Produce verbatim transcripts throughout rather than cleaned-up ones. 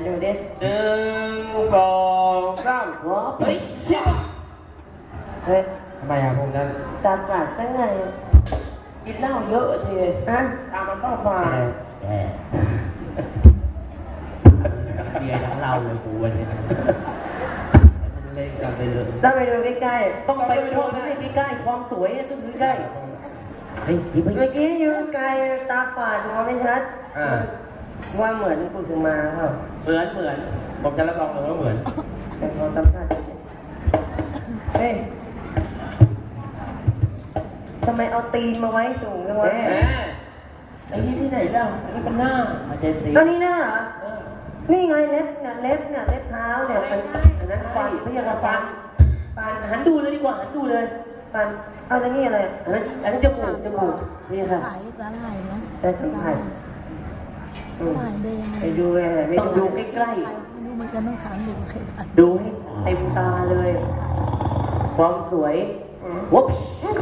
ดูดิหนึ่งสองสามว้าวเฮ้ยเฮ้ยทำไมอ่ะพวกนั้นตาฝาดตั้งไงกินเหล้าเยอะทีฮะตามมันเข้ามาแย่เบียร์ทั้งเราเลยกูวันนี้มันเล่นกันไปเลยต้องไปดูใกล้ๆต้องไปชมให้ใกล้ๆความสวยต้องดูใกล้เฮ้ยนี่ไม่เมื่อกี้อยู่ไกลตาฝาดมองไม่ชัดว่าเหมือนกุสุมาเปล่าเหมือนเหมือนผมจะรับรองเลยว่าเหมือนแต่ขอสัมภาษณ์เฮ้ยทำไมเอาตีนมาไว้สูงจังวะแหมไอ้นี่ที่ไหนเล่าอันนี้เป็นหน้ามาเจนซีแล้วนี่หน้าเหรอเออนี่ไงเล็บเนี่ยเล็บเนี่ยเล็บเท้าเนี่ยมันอันนั้นฟันไม่ใช่กระฟันฟันหันดูเลยดีกว่าหันดูเลยฟันเอาแล้วนี่อะไรอันนั้นอันนั้นจมูกจมูกนี่ค่ะขายสาหร่ายนะแต่สัมผัสอืมสาหร่ายแดงไปดูเลยไม่ต้องดูใกล้ไม่รู้เหมือนกันต้องถามดูใครขายๆดูให้เต็มตาเลย ความสวยวุ๊บ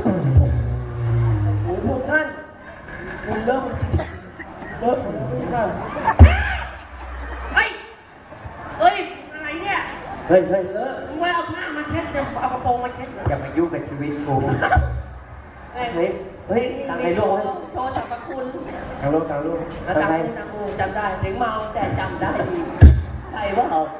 โอ้โหพวกท่านคุณเริ่มเริ่มเริ่มเฮ้ยเฮ้ยอะไรเนี่ยเฮ้ยเฮ้ยเออมึงไว้เอาผ้ามาเช็ดเนี่ยเอากระโปรงมาเช็ดเนี่ยอย่ามายุ่งกับชีวิตกูเฮ้ยเฮ้ยเฮ้ยตังไอ้ลูกโชว์สรรพคุณตังลูกตังลูกแล้วตังจำใครกูจำกูจำได้ถึงเมาแต่จำได้ดีใช่ปะเหรอ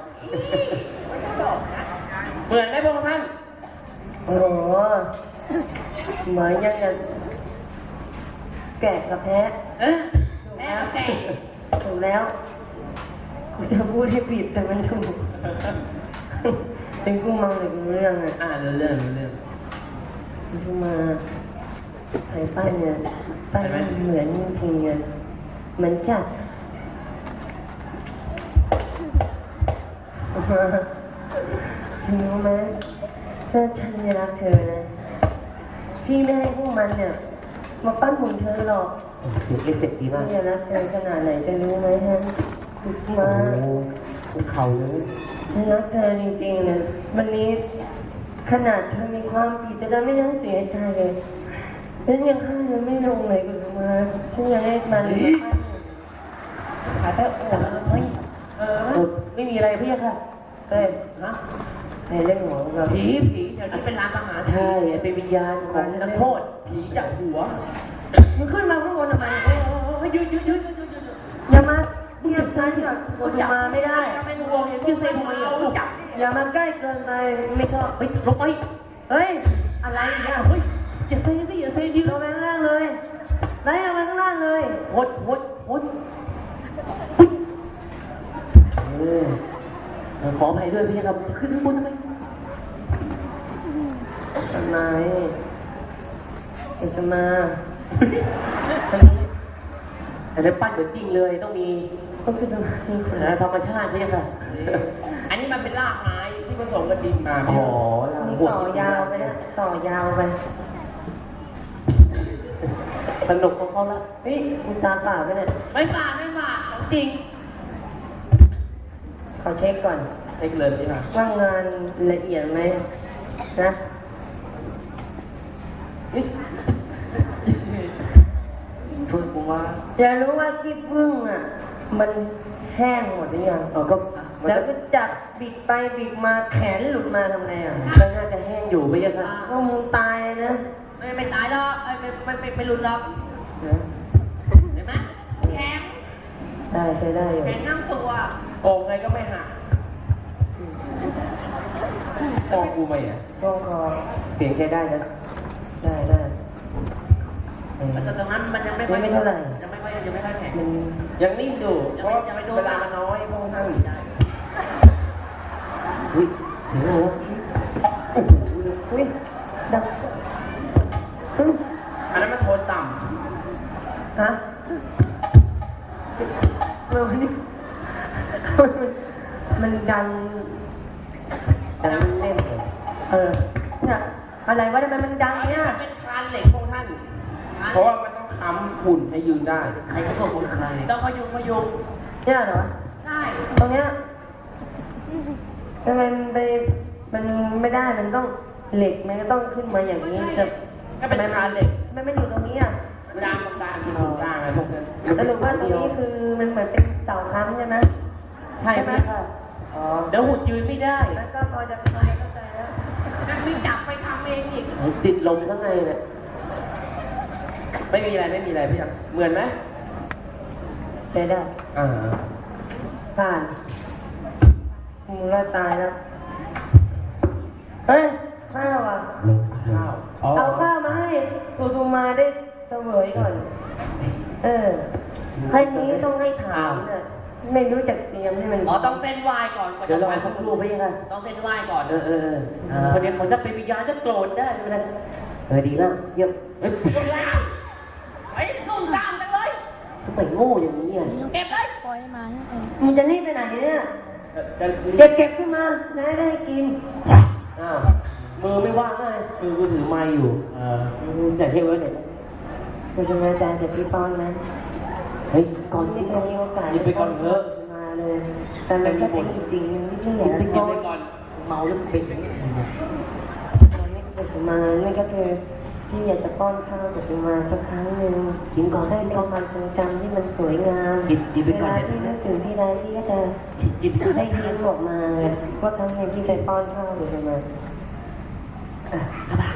เหมือนไหมพวกท่านโอ้โหเหมือนยังไงแกะกับแพะเออแม่แก่ถูกแล้วกูจะพูดให้ผิดแต่มันถูกเป็นกูเมาหรือกูเรื่องอ่ะอ่าเรื่องเรื่องเรื่องกูมาไอ้ป้ายเนี่ยป้ายมันเหมือนจริงๆอ่ะเหมือนจัดถึงรู้ไหมถ้าฉันไม่รักเธอนะพี่ไม่ให้พวกมันเนี่ยมาปั้นหุ่นเธอหรอกเสียงเอฟเฟกต์ดีมากพี่จะรักเธอขนาดไหนจะรู้ไหมฮะคุณโอ้มาโหภูเขาเลยฉันรักเธอจริงๆเลยวันนี้ขนาดเธอมีความผิดแต่เธอไม่ต้องเสียใจเลยฉันยังฆ่าเธอไม่ลงเลยคุณมาฉันยังให้มันเลยขายไปโอ้เฮ้ยเออไม่มีอะไรพี่ค่ะเอ้ยฮะในเรื่องของเราผีผีเดี๋ยวนี้เป็นร้านอาหารใช่เป็นวิญญาณของนักโทษผีจากหัวมึงขึ้นมาข้างบนทำไมเฮ้ยเฮ้ยยืดยืดยืดยืดยืดอย่ามาเทียบฉันกับคุณมาไม่ได้ไม่รู้เห็นยืดเส้นทำไมอ่ะจับอย่ามาใกล้เกินไปไม่ชอบเฮ้ยลงไปเฮ้ยอะไรเนี่ยเฮ้ยอย่าเซ่ดิอย่าเซ่ดิลงไปข้างล่างเลยไล่ลงไปข้างล่างเลยโคตรโคตรโคตรเออขออภัยด้วยพี่ครับขึ้นข้างบนทำไมทำไมเอกจะมาอันนี้แต่ได้ปั้นเหมือนจริงเลยต้องมีต้องขึ้นทางนี้ธรรมชาติพี่ค่ะอันนี้มันเป็นรากไม้ที่ผสมกับดินมาอ๋อนี่ต่อยาวไปนะต่อยาวไปสนุกของเขาละเฮ้ยคุณตาเปล่าไปเนี่ยไม่ฝาดไม่ฝาดของจริงขอเช็คก่อนเล็กเลยใช่ไหมว่างานละเอียดไหมนะช่วยกูว่าอยากรู้ว่าขี้ผึ้งอ่ะ มันแห้งหมดหรือยังเออก็แล้วก็จับบิดไปบิดมาแขนหลุดมาทำไงอ่ะก็น่าจะแห้งอยู่ไม่ใช่ค่ะก็มึงตายเลยนะไม่ไม่ตายหรอกไม่ไม่ไม่ไม่รุนหรอกนะเห็นไหมแข็งได้ใช้ได้อยู่แข็งนั่งตัวโอ่งไงก็ไม่หักมองกูไหมอ่ะช่วงคอเสียงใช้ได้นะได้ได้เออแต่ตรงนั้นมันยังไม่ค่อยไม่เท่าไหร่ยังไม่ค่อยยังไม่ค่อยแข็งมันยังนิ่งอยู่เพราะเวลามันน้อยพวกท่านเฮ้ยเสียงอะไรวะโอ้โหอุ้ยดังฮึ่มอันนั้นมันโทนต่ฮะเรานี่มันดังดังเล่นเลยเออเนี่ยอะไรวะทำไมมันดังำเนี่ยมันเป็นคานเหล็กพวกท่าน เพราะว่ามันต้องค้ำหุ่นให้ยืนได้ใครก็บอกคนใครต้องพยุงพยุงเนี่ยเหรอใช่ตรงเนี้ยทำไมมันไปมันไม่ได้มันต้องเหล็กมันก็ต้องขึ้นมาอย่างนี้จะก็เป็นคานเหล็กมันไม่อยู่ตรงนี้อ่ะดามตรงกลางคือตรงกลางอะไรพวกนั้นสรุปว่าตรงนี้คือมันเหมือนเป็นเสาค้ำใช่ไหมใช่ไหมค่ะอ๋อเดี๋ยวหุ่นยืนไม่ได้แล้วก็พอจะพอจะเข้าใจแล้วนั่นนี่จับไปทำเองอีกติดลมข้างในเนี่ยไม่มีอะไรไม่มีอะไรพี่ยังเหมือนไหมใช้ได้อ่าผ่านมึงก็ตายแล้วเฮ้ยข้าวอ่ะข้าวเอาข้าวมาให้กูทูมาได้เสวยก่อน เออให้นี้ต้องให้ถามเนี่ยไม่รู้จักเตรียมให้มันอ๋อต้องเส้นไหว้ก่อนก่อนเดี๋ยวจะรอไปสักครู่ไปยังไงต้องเส้นไหว้ก่อนเออเออเออคนเดียวเขาจะเป็นวิญญาณจะโกรธได้ไหมเออดีแล้วเยี่ยมเอ้ยไอ้ส้มตามกันเลยทำไมโง่อย่างนี้อ่ะเก็บเลยปล่อยมาให้เองมึงจะรีบไปไหนเนี่ยเก็บเก็บขึ้นมาจะได้ได้กินอ้าวมือไม่ว่างเลยมือกูถือไม้อยู่เออจะเที่ยวไว้ไหนคุณจะมาจานจากพี่ป้อนนะเฮ้ยก่อนที่จะมีโอกาสไปก่อนเถอะมาเลยแต่มันก็เป็นจริงๆไม่ใช่เหรอเก็บไปก่อนเมาแล้วเป็นอย่างนี้ตอนนี้กุสุมานี่ก็คือที่อยากจะป้อนข้าวกุสุมาสักครั้งหนึ่งกินก่อนได้เป็นความทรงจำที่มันสวยงามเวลาที่นึกถึงที่ใดที่ก็จะได้ยิ้มออกมาว่าครั้งหนึ่งที่เคยป้อนข้าวกุสุมาอ่ะ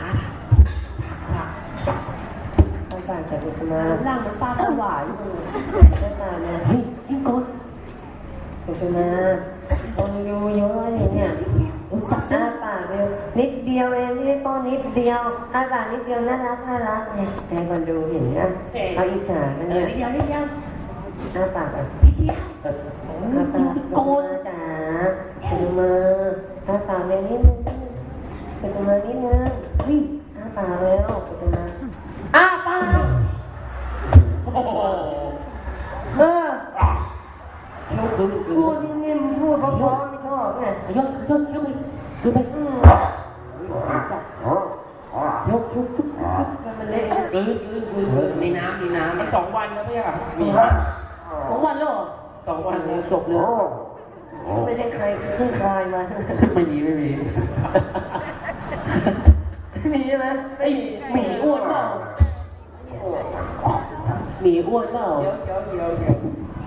ข้าวปากจากกุสุมาร่างมันปลาสวายก็ตายเลยเฮ้ยกินก่อนกุสุมาคนอยู่เยอะเลยเนี่ยจับหน้าปากเดียวนิดเดียวเองที่ป้อนนิดเดียวหน้าปากนิดเดียวน่ารักน่ารักเนี่ยให้คนดูเห็นนะเอาอิจฉากันเนี่ยนิดเดียวนิดเดียวหน้าปากอ่ะนิดเดียวหน้าปากโกนจ๋าดูมาหน้าปากเลยนิดนึงดูมานิดนึงเฮ้ยหน้าปากแล้วดูมาอ้าปากโอ้โหเออพูดนิ่มๆพูดเพราะๆไม่ชอบไงยกยกยกไปดูไปอืมยกยกยกมันเละเออเออเออเออมีน้ำมีน้ำมันสองวันแล้วไม่ใช่เหรอมีสองวันแล้วเหรอสองวันเลยจบเลยไม่ใช่ใครเพิ่งคลายมาไม่มีไม่มีไม่มีใช่ไหมไอ้หมีอ้วนเปล่าหมีอ้วนเปล่าเดี๋ยวเดี๋ยวเดี๋ยวเดี๋ยว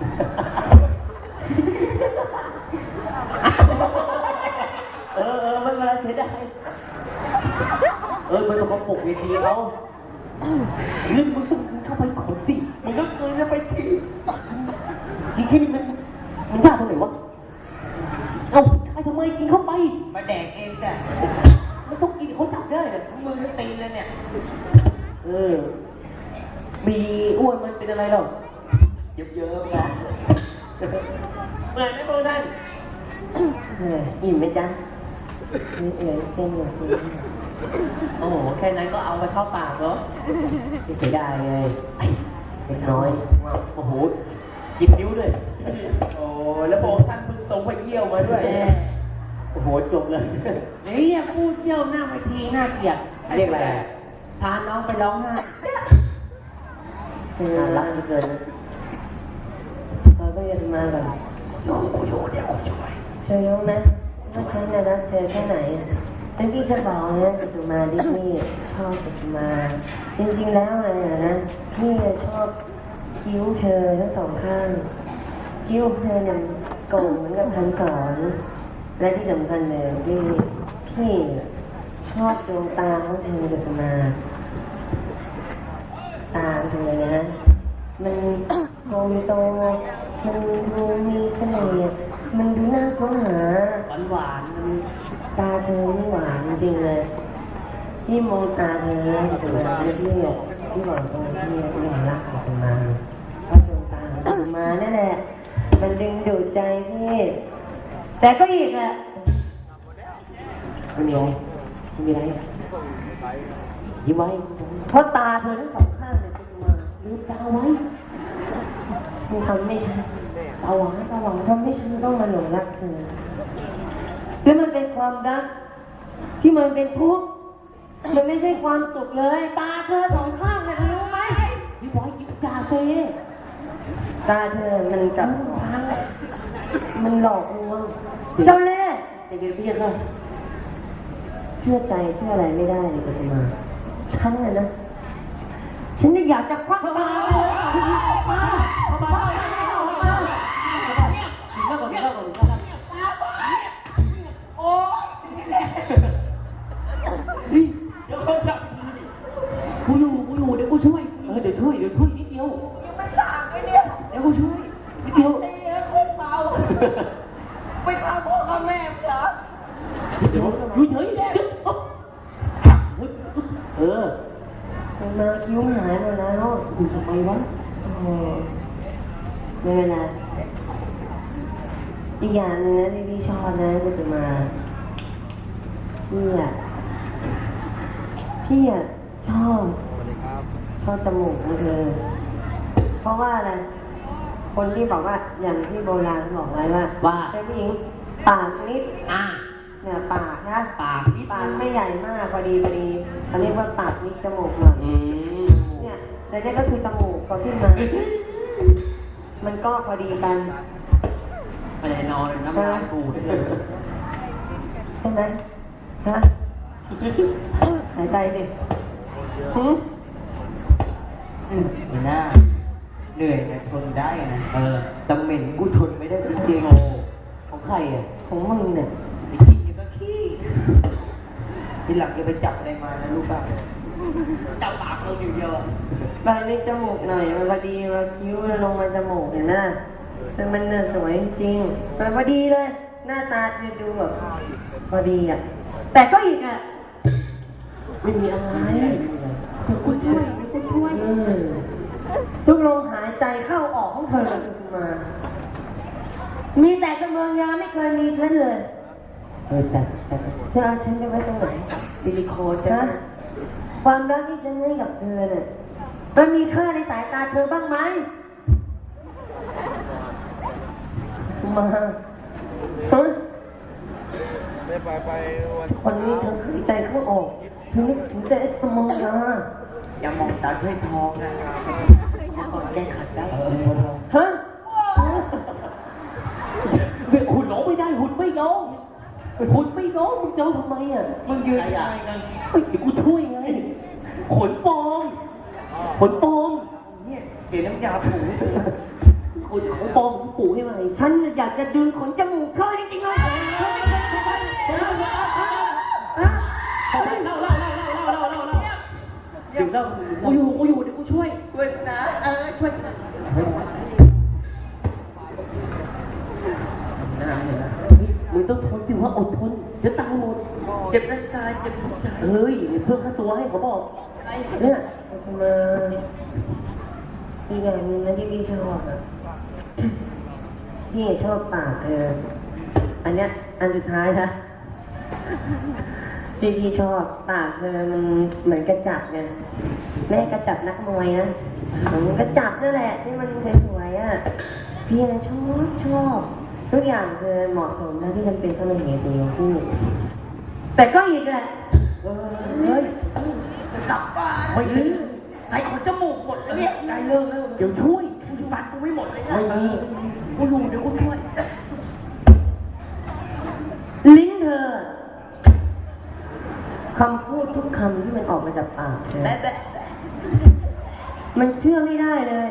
เออเออมันอะไรเสียดายเออมันสกปรกเวทีเขาลึกมึงต้องเข้าไปขนสิมึงต้องเกินจะไปทีทีแค่นี้มันมันยากตรงไหนวะเอ้าใครทำไมกินเข้าไปมาแดกเองแต่มันต้องกินเขาจับได้เนี่ยมือก็ตีเลยเนี่ยเออมีอ้วนมันเป็นอะไรหรอเยอะๆเนาะเหมือนไหมพวกท่านเอออิ่มไหมจ๊ะนี่เอ๋ยเป็นอย่างนี้โอ้โหแค่นั้นก็เอาไปเข้าปากแล้วเสียดายไงไอ้เล็กน้อยโอ้โหจิบนิ้วด้วยโอ้แล้วพวกท่านเพิ่งส่งไปเยี่ยวมาด้วยโอ้โหจบเลยนี่เนี่ยพูดเยี่ยวหน้าเวทีน่าเกลียดเรียกอะไรพาน้องไปร้องไห้น่ารักเหลือเกินนะเราก็ยังมาก่อนน้องกูอยู่เดี๋ยวกูช่วยเธอรู้ไหมว่าฉันน่ะรักเธอแค่ไหนแล้วพี่จะบอกนะกุสุมาที่พี่ชอบกุสุมา จริงๆแล้วอะไรนะพี่ชอบคิ้วเธอทั้งสองข้าง คิ้วเธอเนี่ยโก่งเหมือนกับคันสอนและที่สำคัญเลยพี่พี่ชอบดวงตาของเธอกุสุมา ตาเธอเนี่ยนะมันโตโตมันดูมีเสน่ห์มันดูน่าค้นหาหวานหวานๆมันตาเธอนี่หวานจริงๆเลยพี่มองตาเธอแล้วกุสุมาพี่พี่พี่หวังตรงที่พี่หวังรักกุสุมาเพราะดวงตาของกุสุมานั่นแหละมันดึงดูดใจพี่แต่ก็อีกอะไม่มีอะไรไม่มีอะไรยิ้มไว้เพราะตาเธอทั้งสองข้างเนี่ยกุสุมาลืมตาไว้มึงทำไม่ใช่ตาหวังตาหวังทำให้ฉันต้องมาหลงรักเธอแล้วมันเป็นความรักที่มันเป็นทุกข์มันไม่ใช่ความสุขเลย ตาเธอสองข้างเนี่ยรู้ไหมยิ้มไว้ยิ้มตาเธอตาเธอมันกับมันหลอกลวงเจ้าเล่ห์แต่เดี๋ยวพี่ก็เชื่อใจเชื่ออะไรไม่ได้เลยกุสุมาฉันน่ะนะฉันนี่อยากจะควักตาเลยมามามามามามาไปฆ่าพ่อฆ่าแม่มึงเหรอเดี๋ยวอยู่เฉยเดี๋ยวเออมาคิ้วหายหมดแล้วคุณทำไมวะโอ้โหไม่เป็นไรอีกอย่างหนึงนะที่พี่ชอบนะก็จะมาพี่อ่ะพี่อ่ะชอบชอบจมูกของเธอ เพราะว่าอะไรคนที่บอกว่าอย่างที่โบราณบอกไว้ว่าว่าเป็นผู้หญิงปากนิดอ่ะเนี่ยปากนะปากนิดปากไม่ใหญ่มากพอดีพอดีเขาเรียกว่าปากนิดจมูกหน่อยอืมเนี่ยแต่เนี่ยก็คือจมูกพอขึ้นมา มันก็พอดีกันไปไหนนอนน้ำลายกูได้เลยใช่ไหมฮะหายใจสิหืมไม่น่าเหนื่อยนะทนได้นะเออแต่เหม็นกูทนไม่ได้จริงโอ้ของใครอ่ะของมึงเนี่ยๆไปกินยังก็ขี้ทีหลังอย่าไปจับอะไรมานะลูกบ้าจับปากเราอยู่เดียวอะปากนิดจมูกหน่อยมันพอดีมาคิ้วลงมาจมูกเห็นไหมแต่มันเนี่ยสวยจริงๆมันพอดีเลย หน้าตาจะดูแบบพอดีอ่ะ แต่ก็อีกอ่ะไม่มีอะไรเดี๋ยวกูช่วยเดี๋ยวกูช่วยเออทุกลมหายใจเข้าออกของเธอเลยคุณมา มีแต่เสมอยาไม่เคยมีฉันเลยเออแต่แต่เธอเอาฉันไปไว้ตรงไหนซิลิโคนฮะนะความรักที่ฉันให้กับเธอเนี่ยมันมีค่าในสายตาเธอบ้างไหมมาฮะไปไปวันวันนี้เธอหายใจเข้าออกเธอนึกถึงแต่สมองยาอย่ามองตาช่วยทองนะเมื่อก่อนแก้ขัดได้เออฮะไม่หุ่นร้องไม่ได้หุ่นไม่ร้องหุ่นไม่ร้องมึงจะเอาทำไมอ่ะมึงยืนได้ไงเฮ้ยเดี๋ยวกูช่วยไง ขนปลอม ขนปลอมเนี่ยเสียน้ำยาผูขนของปลอมของปู่ให้ไหมฉันอยากจะดึงขนจมูกเธอจริงๆเลยเอาไปเล่าเล่าเล่าเล่าเล่าเล่าเล่าเดี๋ยวเล่ากูอยู่กูอยู่เดี๋ยวกูช่วยช่วยกูนะเออช่วยกูนะหน้าเนี่ยนะเฮ้ยมึงต้องทนสิว่าอดทนเดี๋ยวตายหมดเจ็บร่างกายเจ็บหัวใจเฮ้ยเพิ่มค่าตัวให้เขาบอกเนี่ยมาอีกอย่างหนึงนะที่พี่ชอบอ่ะ พี่ชอบปากเธอ อันเนี้ยอันสุดท้ายนะที่พี่ชอบปากเธอมันเหมือนกระจับไงไม่ใช่กระจับนักมวยนะเหมือนกระจับนั่นแหละที่มันสวยๆอ่ะพี่นะชอบชอบทุกอย่างเธอเหมาะสมนะที่จำเป็นต้องมาเหตุสีของพี่แต่ก็อีกแหละเออเฮ้ยจะกลับบ้านไม่มีใครขนจมูกหมดแล้วเนี่ยได้เลิกแล้วเดี๋ยวช่วยกูฟันกูไม่หมดเลยนะไม่มีกูอยู่เดี๋ยวกูช่วยลิ้นเธอคำพูดทุกคำที่มันออกมาจากปากเธอแต่แต่มันเชื่อไม่ได้เลย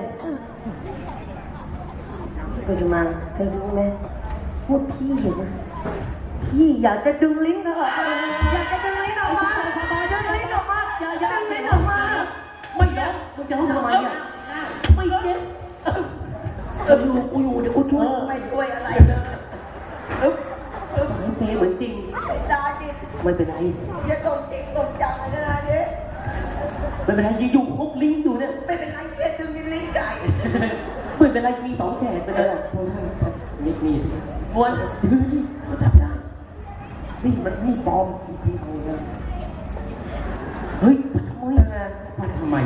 ปัจจุบันเธอรู้ไหมพูดพี่นะพี่อยากจะดึงลิ้นเธอออกมาอยากจะดึงลิ้นออกมาดึงลิ้นออกมาอย่าอย่าดึงลิ้นออกมาไม่ยอมมึงจะเอาทำไมอ่ะไม่เจ็บกูอยู่กูอยู่เดี๋ยวกูช่วยไม่ช่วยอะไรเลยอึ๊บอึ๊บเซเหมือนจริงไม่ได้ดิไม่เป็นไรอย่าตกจริงตกจังเลยนะเนี่ยไม่เป็นไรยังอยู่ครบลิ้นอยู่เนี่ยไม่เป็นไรเยี่ยดึงในลิ้นไก่ไม่เป็นไรมีสองแฉกไปเลยนี่นี่ม้วนนี่เขาจับได้นี่มันนี่ปลอมนี่เอาเลยเฮ้ยมาทำไมมาทำไม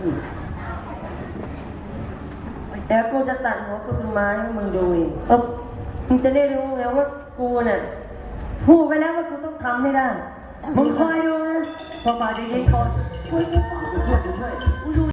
แต่กูจะตัดหัวกูจะมาให้มึงดูอีกเออมึงจะได้รู้ไงว่ากูเนี่ยพูดไปแล้วว่ากูต้องทำให้ได้มึงคอยดูนะพอป่าจะยิงก่อนช่วยกูก่อนช่วยช่วยช่วย